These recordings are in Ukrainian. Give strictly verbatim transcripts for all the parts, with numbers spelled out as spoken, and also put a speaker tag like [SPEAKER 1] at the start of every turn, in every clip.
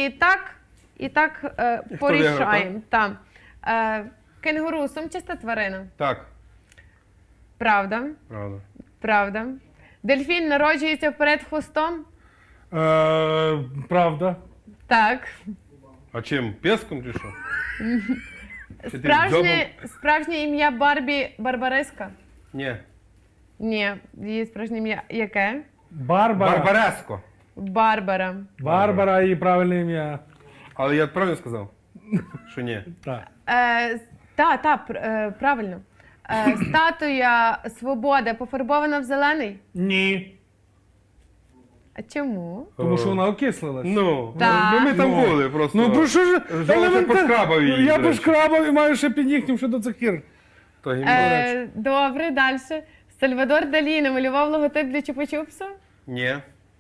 [SPEAKER 1] І так, і так е,
[SPEAKER 2] І хто
[SPEAKER 1] порішаємо. Там. Е, кенгуру сумчаста тварина.
[SPEAKER 2] Так.
[SPEAKER 1] Правда.
[SPEAKER 2] Правда.
[SPEAKER 1] Правда. Дельфін народжується вперед хвостом.
[SPEAKER 3] Е, правда.
[SPEAKER 1] Так.
[SPEAKER 2] А чим? Песком чи що? Чи ти
[SPEAKER 1] Справжнє, справжнє ім'я Барбі Барбариска?
[SPEAKER 2] Ні.
[SPEAKER 1] Ні, її справжнє ім'я яке?
[SPEAKER 3] Барбара.
[SPEAKER 2] Барбареско.
[SPEAKER 1] Барбара.
[SPEAKER 3] Барбара і правильне ім'я.
[SPEAKER 2] Але я правильно сказав? Що ні?
[SPEAKER 3] Так.
[SPEAKER 1] Е, та, та, пр- е, правильно. Е, статуя Свободи пофарбована в зелений?
[SPEAKER 3] Ні.
[SPEAKER 1] А чому?
[SPEAKER 3] Тому що вона окислилась.
[SPEAKER 2] Ну,
[SPEAKER 1] Так.
[SPEAKER 2] ну, ми там
[SPEAKER 3] Ну.
[SPEAKER 2] були просто.
[SPEAKER 3] Ну про що ж?
[SPEAKER 2] Жовте
[SPEAKER 3] елементар-
[SPEAKER 2] пошкрабав її,
[SPEAKER 3] Я
[SPEAKER 2] до речі.
[SPEAKER 3] пошкрабав і маю ще під нігтем ще до цих пір.
[SPEAKER 2] То гімно.
[SPEAKER 1] Е, добре, далі. Сальвадор Далі намалював логотип для Чупа-Чупсу?
[SPEAKER 2] Ні.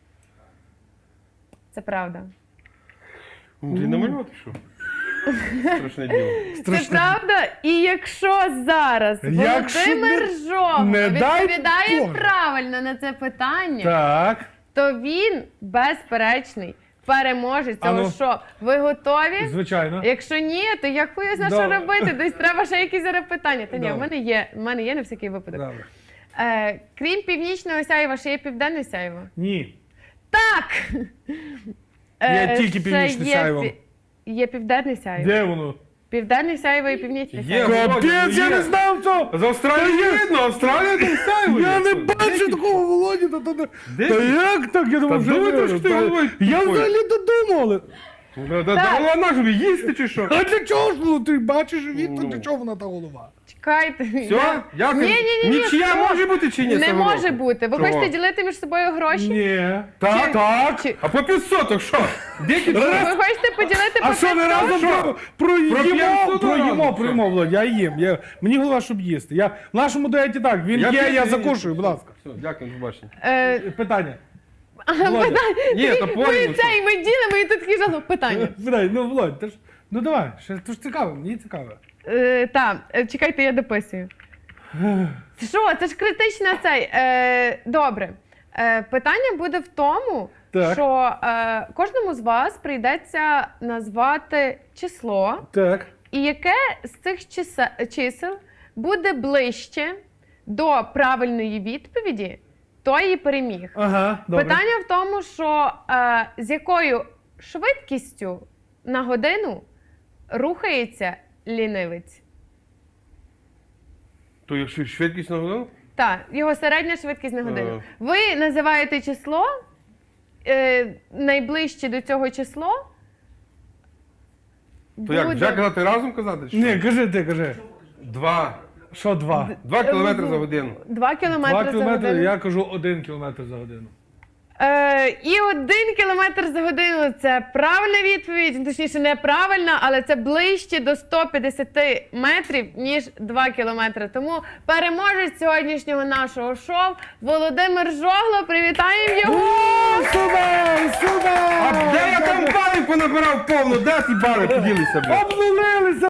[SPEAKER 1] Це правда.
[SPEAKER 2] Ну, ти намалювати що? Страшне діло.
[SPEAKER 1] Це правда? І якщо зараз
[SPEAKER 3] Якщо
[SPEAKER 1] Володимир
[SPEAKER 3] не-
[SPEAKER 1] Жогло
[SPEAKER 3] не дай
[SPEAKER 1] відповідає
[SPEAKER 3] Боже.
[SPEAKER 1] правильно на це питання,
[SPEAKER 3] Так.
[SPEAKER 1] то він безперечний переможець
[SPEAKER 3] А ну.
[SPEAKER 1] цього шоу. Ви готові?
[SPEAKER 3] Звичайно.
[SPEAKER 1] Якщо ні, то я хуй знаю, що
[SPEAKER 3] Добре.
[SPEAKER 1] робити. Десь треба ще якісь зараз питання. Та ні, в
[SPEAKER 3] Добре.
[SPEAKER 1] мене є, в мене є на всякий випадок.
[SPEAKER 3] Добре.
[SPEAKER 1] Е, крім північного сяйва, ще є південне сяйво?
[SPEAKER 3] Ні.
[SPEAKER 1] Так!
[SPEAKER 3] Є тільки
[SPEAKER 1] ще
[SPEAKER 3] північне
[SPEAKER 1] є
[SPEAKER 3] сяйво.
[SPEAKER 1] пі- Є південне сяйво.
[SPEAKER 3] Де воно?
[SPEAKER 1] Південне сяйво і північне
[SPEAKER 2] Є.
[SPEAKER 1] сяйво.
[SPEAKER 2] Володя,
[SPEAKER 3] Капець,
[SPEAKER 2] ну
[SPEAKER 3] я
[SPEAKER 2] є.
[SPEAKER 3] не знав цього!
[SPEAKER 2] З Австралії
[SPEAKER 3] Та я-
[SPEAKER 2] видно, Австралія там ставить.
[SPEAKER 3] Я не бачу такого Володі, та, та, та,
[SPEAKER 2] Де
[SPEAKER 3] та
[SPEAKER 2] ти?
[SPEAKER 3] як так? Я думав,
[SPEAKER 2] Та
[SPEAKER 3] вже
[SPEAKER 2] думай,
[SPEAKER 3] не-
[SPEAKER 2] що ти
[SPEAKER 3] та-
[SPEAKER 2] головою
[SPEAKER 3] Я
[SPEAKER 2] тупою.
[SPEAKER 3] взагалі додумав, але...
[SPEAKER 2] Да, да, да, вона ж їсти чи що?
[SPEAKER 3] А для чого ж ну, ти бачиш живіт, то
[SPEAKER 2] Ну.
[SPEAKER 3] для чого вона та голова?
[SPEAKER 1] Чекайте.
[SPEAKER 2] Все? Дякую.
[SPEAKER 1] Ні, ні, ні, ні,
[SPEAKER 2] Нічия
[SPEAKER 1] стоп.
[SPEAKER 2] може бути чи ні?
[SPEAKER 1] Не
[SPEAKER 2] цього
[SPEAKER 1] може
[SPEAKER 2] року?
[SPEAKER 1] бути. Ви
[SPEAKER 2] Чого?
[SPEAKER 1] хочете ділити між собою гроші?
[SPEAKER 3] Ні.
[SPEAKER 2] Так,
[SPEAKER 1] Чи-
[SPEAKER 2] так.
[SPEAKER 1] чи-
[SPEAKER 2] А по п'ятсот, що? Десять
[SPEAKER 1] Ви
[SPEAKER 2] раз.
[SPEAKER 1] хочете поділити
[SPEAKER 3] А
[SPEAKER 1] по
[SPEAKER 3] що не
[SPEAKER 1] п'ятсот?
[SPEAKER 3] разом
[SPEAKER 2] Що?
[SPEAKER 3] про, про їмо,
[SPEAKER 2] п'ятсот
[SPEAKER 3] про
[SPEAKER 2] разом,
[SPEAKER 3] їмо,
[SPEAKER 2] що?
[SPEAKER 3] про їмо, Володь, я їм. Я, мені голова, щоб їсти. Я, в нашому дуеті так, він
[SPEAKER 2] Я
[SPEAKER 3] є,
[SPEAKER 2] п'ю-
[SPEAKER 3] я закушую, будь ласка.
[SPEAKER 2] Все, дякую, до побачення.
[SPEAKER 1] Е,
[SPEAKER 3] Питання.
[SPEAKER 1] Ага,
[SPEAKER 3] Володя.
[SPEAKER 1] питання.
[SPEAKER 2] Ні, то
[SPEAKER 1] Ми
[SPEAKER 2] порівну,
[SPEAKER 1] це, і ми ділимо, і тут такі жалоб. Питання.
[SPEAKER 3] Питання, ну, Володь, ти ж, ну давай, ще, то ж цікаво, мені цікаво.
[SPEAKER 1] Е, так, е, чекайте, я дописую. Що, це ж критична цей. Е, добре. Е, питання буде в тому,
[SPEAKER 3] Так.
[SPEAKER 1] що е, кожному з вас прийдеться назвати число,
[SPEAKER 3] Так.
[SPEAKER 1] і яке з цих чисе- чисел буде ближче до правильної відповіді, той і переміг.
[SPEAKER 3] Ага, добре.
[SPEAKER 1] Питання в тому, що е, з якою швидкістю на годину рухається лінивець.
[SPEAKER 2] То якщо швидкість на годину?
[SPEAKER 1] Так, його середня швидкість на годину.
[SPEAKER 2] Е.
[SPEAKER 1] Ви називаєте число, е, найближче до цього число.
[SPEAKER 2] То як, вже казати разом казати? чи
[SPEAKER 3] Ні,
[SPEAKER 2] що?
[SPEAKER 3] кажи ти, кажи.
[SPEAKER 2] Два.
[SPEAKER 3] Що два?
[SPEAKER 2] Два кілометри за годину.
[SPEAKER 1] Два кілометри
[SPEAKER 3] Два
[SPEAKER 1] за
[SPEAKER 3] кілометри,
[SPEAKER 1] годину.
[SPEAKER 3] я кажу один кілометр за годину.
[SPEAKER 1] Е, і один кілометр за годину – це правильна відповідь, точніше неправильна, але це ближче до ста п'ятдесят метрів, ніж два кілометри. Тому переможець сьогоднішнього нашого шоу Володимир Жогло. Привітаємо його!
[SPEAKER 3] Супер, супер!
[SPEAKER 2] А де я там балів понабирав повно? Де ті бали поділися, блядь?
[SPEAKER 3] Обнулилися!